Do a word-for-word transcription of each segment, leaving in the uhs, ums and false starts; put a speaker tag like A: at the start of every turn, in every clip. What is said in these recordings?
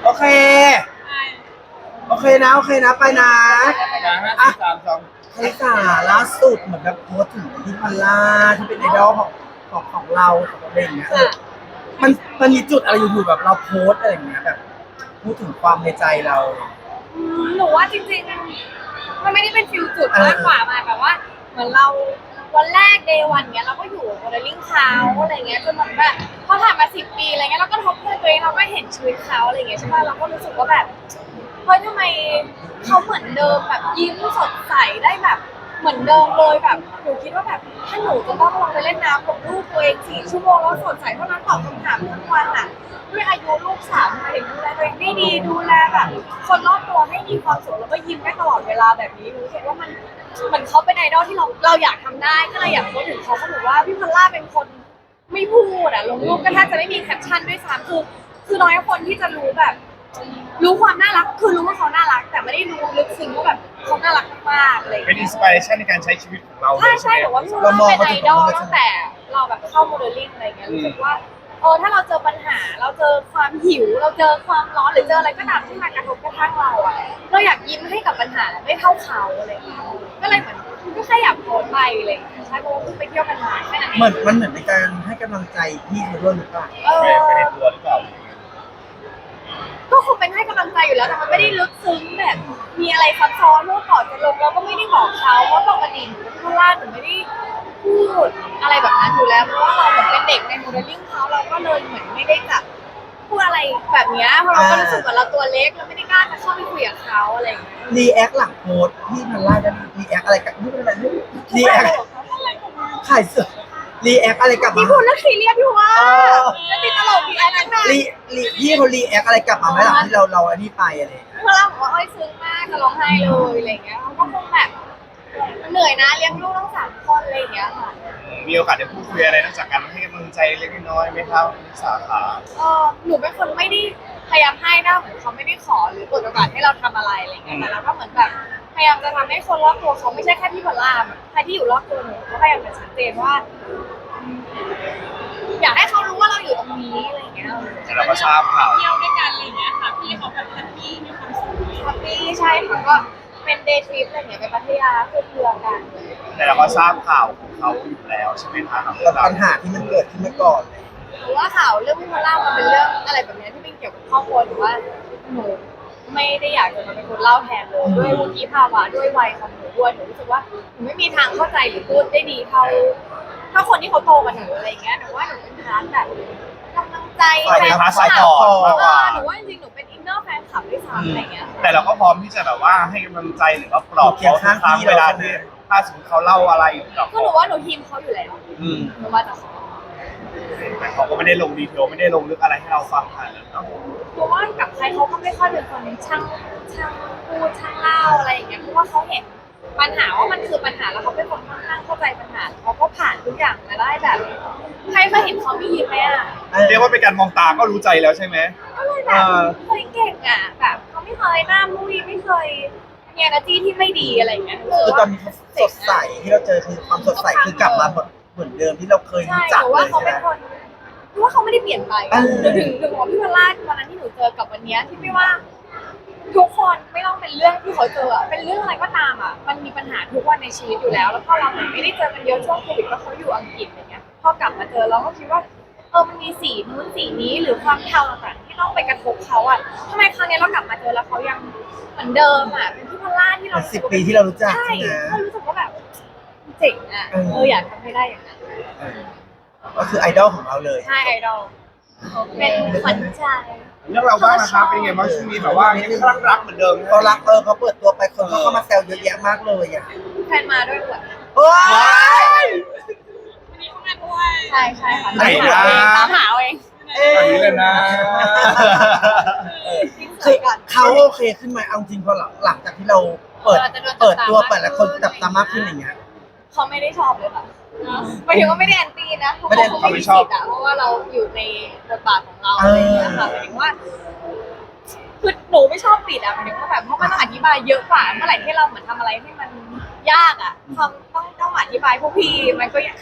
A: โอเคโอเคนะโอเคนะไปนะอ่ะ
B: สามสอง
A: คลิสาล่าสุดเหมือนแบบโพสต์ถึงพี่พัลล่าที่เป็นไอดอลของของของเราของเราเองเนี่ยเออมันมันมีจุดอะไรอยู่ๆแบบเราโพสต์อะไรอย่างเงี้ยแบบพูดถึงความในใจเรา
C: อืมหนูว่าจริงๆมันไม่ได้เป็นฟิลจุดมากกว่ามาแบบว่าเหมือนเราวันแรกเดย์วันเงี้ยเราก็อยู่โมเดลลิ่งเขาอะไรเงี้ยจนเหมือนแบบพอผ่านมาสิบปีอะไรเงี้ยเราก็ทบทวนตัวเองเราก็เห็นชีวิตเขาอะไรเงี้ยใช่ป่ะเราก็รู้สึกว่าแบบเฮ้ยทำไมเขาเหมือนเดิมแบบยิ้มสดใสได้แบบเหมือนเดิมเลยแบบหนูคิดว่าแบบถ้าหนูจะต้องลงไปเล่นน้ำกับลูกตัวเองสี่ชั่วโมงแล้วสดใสเท่านั้นตอบคำถามทั้งวันอ่ะด้วยอายุลูกสามมาถึงดูแลตัวเองได้ดีดูแลแบบคนรอบตัวให้มีความสุขแล้วก็ยิ้มได้ตลอดเวลาแบบนี้รู้สึกว่ามันเหมือนเขาเป็นไอดอลที่เราเราอยากทำได้ก็เลยอยากพูดถึงเขาเขาบอกว่าพี่พอลล่าเป็นคนไม่พูดอ่ะลงรูปก็แทบจะไม่มีแคปชั่นด้วยซ้ำคือคือน้อยคนที่จะรู้แบบ รู้ความน่ารักคือรู้ว่าเขาน่ารักแต่ไม่ได้รู้ลึกซึ้งว่าแบบเขาน่ารักมากๆอะไรอย่าง
B: เป็น
C: เงี้
B: อิ
C: ย
B: นสปิเรชันในการใช้ชีวิตของเรา
C: ใช่
B: เลย
C: ใช่
B: ไหม
C: หรือว่าพี่ว่าเป็นไอดอลตั้งแต่เราแบบเข้าโมเดลลิ่งอะไรเงี้ยรู้สึกว่าเออถ้าเราเจอปัญหาเราเจอความหิวเราเจอความร้อนหรือเจออะไรก็ตามที่มากระทบกระทั่งเราอะเราอยากยิ้มให้กับปัญหาไม่เท่าเขาอะไรเงี้ยก็เลยเหมือนก็แค่อยากโพสต์ไปอะไรเงี้ยใช่เพราะว่าเพิ่งไปเที่ยวกันมาแค่นั้นเอง
A: เหมือนมันเหมือนในการให้กำลังใจพี่เขาด้วยหรือเปล่า
C: เอ
B: ไม่ไม่
C: อ
B: ได้ตัวหรือเปล่า
C: ก็คงเป็นให้กำลังใจอยู่แล้วแต่มันไม่ได้ลึกซึ้งแบบมีอะไรซับซ้อนเพราะว่าก่อนจะลงเราก็ไม่ได้บอกเขาว่าปกติหนูเป็นคนล่าหนูไม่ได้พูดอะไรแบบนั้นอยู่แล้วเพราะว่าเราเหมือนเป็นเด็กในโมเดลลิ่งเขาเราก็เลยเหมือนไม่ได้จะพูดอะไรแบบเนี้ยเพราะเราก็รู้สึกว่าเราตัวเล็กเราไม่ได้กล้าจะเข้าไปคุยกับเขาอะไรอย่างเงี้ย
A: รีแอคหลังโพสต์พี่พัลล่าได้รีแอคอะไรกับนี่เป็นอะไรรีแอคขายเสื้อรีแอคอะไรกลับมา
C: พี่พูดเรื่องซีเรียสอยู่ว่า
A: เออ
C: แล้วติดตลกดีอันนั้นน่ะ
A: รีรีพี่เขารีแอคอะไรกลับมาไหมหลังที่เราเราอันนี้ไปอะไรอย่างเงี้ย
C: เวลาบอกว่าเอ้ยซึ้งมากจะร้องไห้เลยอะไรอย่างเงี้ยเขาก็คงแบบเหนื่อยนะเลี้ยงลูกทั้งสามคนอะไรอย่างเงี้ยค่ะ
B: มีโอกาสได้พูดคุยอะไรนอกจากการให้กำลังใจเล็กน้อยไหมครับสาขา
C: เออหนูเป็นคนไม่ได้พยายามให้นะเหมือนเขาไม่ได้ขอหรือเปิดโอกาสให้เราทำอะไรอะไรอย่างเงี้ยแต่เราก็เหมือนแบบพยายามจะทำให้คนรอบตัวเขาไม่ใช่แค่พี่พลล่าใครที่อยู่รอบตัวหนูก็พยายามจะชัดเจนว่า อยากให้เขารู้ว่าเราอยู่ตรงนี้อะไรอย่างเงี้ย
B: แต่เราก็ทราบข่าว
C: เที่ยวด้วยกันอะไรอย่างเงี้ยค่ะพี่เขาแบบแฮปปี้มีความสุขแฮปปี้ใช่ค่ะก็เป็นเดย์ทริปอะไรอย่างเงี้ยไปพัทยาขึ้นเรือกัน
B: แต่เราก็ทราบข่าวของเขาอยู่แล้วใช่ไหมคะ
A: กับปัญหาที่มันเกิดขึ้นมาก่อนเลย
C: หรือว่าข่าวเรื่องพี่พลล่ามันเป็นเรื่องอะไรแบบเนี้ยที่เป็นเกี่ยวกับครอบครัวหรือว่าหนูไม่ได้อยากจะมาเป็นคนเล่าแทนเลยด้วยวุฒิภาวะด้วยวัยของหนูด้วยหนูรู้สึกว่าหนูไม่มีทางเข้าใจหรือพูดได้ดีเท่าเท่าคนที่เขาโตกว่าหนูอะไรอย่างเงี้ยหนูว่าหนูเป็นพาร์ทแบบกำลังใจแฟนคลับ
B: สายต่อมากกว่า
C: หนูว่าจริงๆหนูเป็นอินเนอร์แฟนคลับด้วยซ้ำอะไรเงี้ย
B: แต่เราก็พร้อมที่จะแบบว่าให้กำลังใจหรือว่าปลอบเขาทุกครั้งเวลาที่ถ้าสมมติเขาเล่าอะไรกับ
C: ก็หนูว่าหนูทีมเขาอยู่แล้ว
B: อืม
C: หนูว่าแต่เขา
B: แต่เขาก็ไม่ได้ลงดีเทลไม่ได้ลงลึกอะไรให้เราฟังขนาดนั้นเนาะ
C: หนูว่ากับใครเขาก็ไม่ค่อยเป็นคนช่างช่างพูดช่างเล่าอะไรอย่างเงี้ยเพราะว่าเขาเห็นปัญหาว่ามันคือปัญหาแล้วเขาเป็นคนค่อนข้างเข้าใจปัญหาเขาก็ผ่านทุกอย่างมาได้แบบใครเคยเห็นเขาไม่ยิ้มไหมอ่ะ
B: เรียกว่าเป็นการมองตาก็รู้ใจแล้วใช่ไหม
C: ก็เลยแบบเคยเก่งอ่ะแบบเขาไม่เคยหน้ามุ้ยไม่เคยมี energy ที่ไม่ดีอะไรอย่างเงี้ย
A: คือตอนนี้เขาสดใสที่เราเจอคือความสดใสคือกลับมาเหมือนเหมือนเดิมที่เราเคย
C: ใช่
A: รู้จัก
C: หนู
A: เล
C: ว่าย เขา
A: ใช่ไห
C: เป็
A: ม
C: นคนหนูว่าเขาไม่ได้เปลี่ยนไป
A: เออ
C: หนูถึงถึงบอกพี่วราชวันนั้นที่หนูเจอกับวันเนี้ยที่ไม่ว่า ทุกคนไม่ต้องเป็นเรื่องที่เขาเจออะเป็นเรื่องอะไรก็ตามอ่ะมันมีปัญหาทุกวันในชีวิตอยู่แล้ว แล้วพอเราเหมือนไม่ได้เจอกันเยอะช่วงโควิดเพราะเขาอยู่อังกฤษอะไรเงี้ยพอกลับมาเจอเราก็คิดว่าเออมันมีสีนู้นสีนี้หรือความเทาต่างๆที่ต้องไปกระทบเขาอ่ะทำไมครั้งนี้เรากลับมาเจอแล้วเขายังเหมือนเดิมอ่ะเป็นพี่พล่าที่เรา
A: สิบปีที่เรารู้จัก
C: ใช่
A: ใช่ไหม
C: ก็รู้สึกว่าแบบเจ๋งอ่ะ
A: เออ
C: เอออยากทำให้ได้อย่างนั้น
A: เออก็คือไอดอลของเราเลย
C: ใช่ไอดอลเป็นขวัญใจ
B: เรื่องเราบ้างนะครับเป็นยังไงบ้างช่วงนี้แบบว่ายังคลั่งรักเหมือนเดิม
A: เขารักเออเขาเปิดตัวไปคนเขาเข้ามาแซวเยอะแยะมากเลยอ่ะ
C: แฟนมาด้วยอวด
A: โอ้ย
C: ใช่ใช่ค่ะ
B: ไหนนะ
C: ตามหาเอาเอง
B: อันนี้เลยนะ
A: คือเขาโอเคขึ้นไหมเอาจริงพอหลังหลังจากที่เราเปิดเปิดตัวเปิดแล้วคนจับตามากขึ้นอย่างเงี้ย
C: เขาไม่ได้ชอบเลยค่ะหมายถึงว่าไม่ได้แอนตี้นะเพราะ
A: ไม่ได้
C: เขาไม่ได้สิทธิ์อะเพราะว่าเราอยู่ในบทบาทของเราอะไรอย่างเงี้ยค่ะหมายถึงว่าคือหนูไม่ชอบปิดอะหมายถึงว่าแบบเพราะมันต้องอธิบายเยอะกว่าเมื่อไหร่ที่เราเหมือนทำอะไรที่มันยากอะทำต้องต้องอธิบายพวกพี่มันก็คือ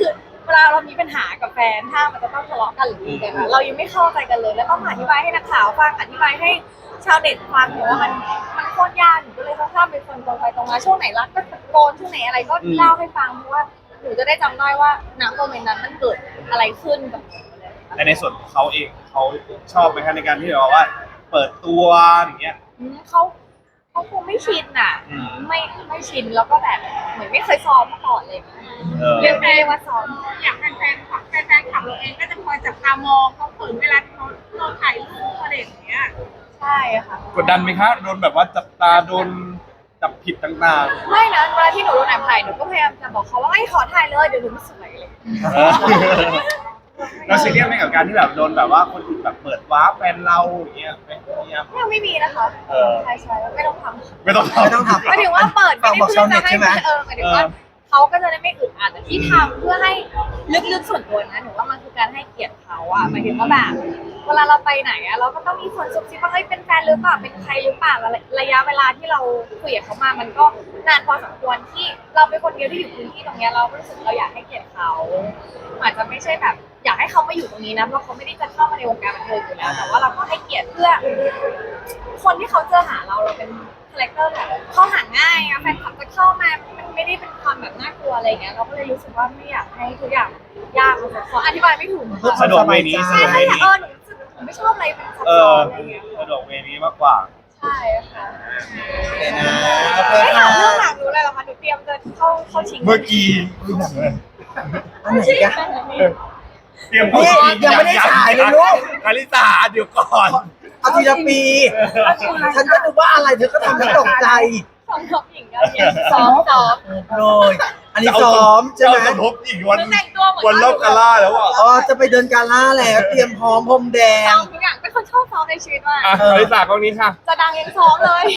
C: เวลาเรามีปัญหากับแฟนถ้ามันจะต้องทะเลาะกันหรือมีกันอะเรายังไม่เข้าใจกันเลยแล้วต้องอธิบายให้นักข่าวฟังอธิบายให้ชาวเน็ตฟังหนูว่ามันมันโคตรยากหนูก็เลยค่อนข้างเป็นคนตรงไปตรงมาช่วงไหนรักก็ตะโกนช่วงไหนอะไรก็เล่าให้ฟังเพราะว่าหนูจะได้จำได้ว่าณโมเมนต์นั้นมันเกิดอะไรขึ้นกับหนูอะไรอย่างเงี้ย
B: แต่ในส่วนของเขาเองเขาชอบไหมคะในการที่แบบว่า เปิดตัวอย่างเงี้ย
C: อืมเขาเขาคงไม่ชินอ่ะ
B: อืม
C: ไม่ไม่ชินแล้วก็แบบเหมือนไม่เคยซ้อมมาก่อนเลย
B: เออ
C: เรียกได้ว่าซ้อม
D: อย่างแฟนๆขับแฟนๆขับเราเองก็จะคอยจับตามองเขาเขินเวลาเขาเราถ่ายรูปอะไรอย่างเงี้ย
C: ใช่ค่ะ
B: กดดันไหมคะโดนแบบว่าจับตาโดนจับผิดต่าง
C: ไม่นะเวลาที่หนูโดนแอบถ่ายหนูก็พยายามจะบอกเขาว่าไม่ขอถ่ายเลยเดี๋ยวหนูไม่สวยเลย
B: ๆเออเราซีเรียสไหมกับการที่แบบโดนแบบว่าคนอื่นแบบเปิดวาร์ปแฟนเราอย่างเงี้ยไม่เนี่ย
C: ยังไม่มีนะคะ
B: เออ
C: ใช่ใช่ไม่ต้องทำ
B: ไม่ต้องทำ
A: ไม่ต้องทำ
C: หมายถึงว่าเปิดไม่ได้
A: บอก
C: เพื่
A: ชา
C: อ
A: วเน็
C: จะ
A: ต
C: ให้
A: ใช่ไหม
C: เออหมายถึงว่าเขาก็จะได้ไม่อึดอัดแต่ที่ทำเพื่อให้ลึกๆส่วนตัวนะหนูว่ามันคือการให้เกียรติเขาอะหมายถึงว่าแบบเวลาเราไปไหนอะเราก็ต้องมีคนซุบซิบว่าเฮ้ยเป็นแฟนหรือเปล่าเป็นใครหรือเปล่าแล้วระยะเวลาที่เราคุยกับเขามามันก็นานพอสมควรที่เราเป็นคนเดียวที่อยู่พื้นที่ตรงเนี้ยเรารู้สึกเราอยากให้เกียรติเขาอาจจะไม่ใช่แบบ อยากให้เขามาอยู่ตรงนี้นะเพราะเขาไม่ได้จะเข้ามาในวงการบันเทิงอยู่แล้วแต่ว่าเราก็ให้เกียรติเพื่อ คนที่เขาเจอหาเราเราเป็นคาแรคเตอร์แบบเข้าหาง่ายอะแฟนคลับจะเข้ามามันไม่ได้เป็นความแบบน่ากลัวอะไรอย่างเงี้ยเราก็เลยรู้สึกว่าไม่อยากให้ทุกอย่างยากมันขออธิบายไม่ถูก
A: เพื่อ
C: ค่ะ
A: ความ
B: สะดวกเวนี้สะ
C: ใช่
B: ดวก
C: ใช่
B: เวนี้
C: เออหนูรู้สึกผมไม่ชอบอะไรเป็นซับ
B: เอ
C: ซ้อ
B: อน
C: อะไรเงี้ย
B: สะดวกเวนี้มากกว่า
C: ใช่ค่ะ
A: โอเคนะโอเค
C: ไม่ถา
A: ค่ะ
C: มเรื่องหลังหนูเลยเหรอคะหนูเตรียมจะเข้าเข้าชิง
B: เมื่อกี้
A: อันไหนกัน
B: เตรียม
A: นี่ยังไม่ได้ฉายเลยลูก
B: คาริสาเดี๋ยวก่อน
A: เอาทีละปี ฉันก็นึกว่าอะไรเธอก็ทำฉันตกใจ
C: สองท็อปหญิงกันเนี่ยซ้อมซ้อม
A: เลยอันนี้ซ้อมใช่ไหม
B: จะทบอีกวัน
C: หนูแต่งตัวเหมือน
B: วันรอบกาล่าแล้วอ่ะ
A: อ๋อจะไปเดินกาล่าแล้วเตรียมพร้อมพรมแด
C: ซ้
A: ง
C: อมทุกอย่างเป็นคนชอบซ้อมในชีวิตมาก
B: อ่ะคาริสากล้องนี้ค่ะ
C: จะดังยังซ้อมเลย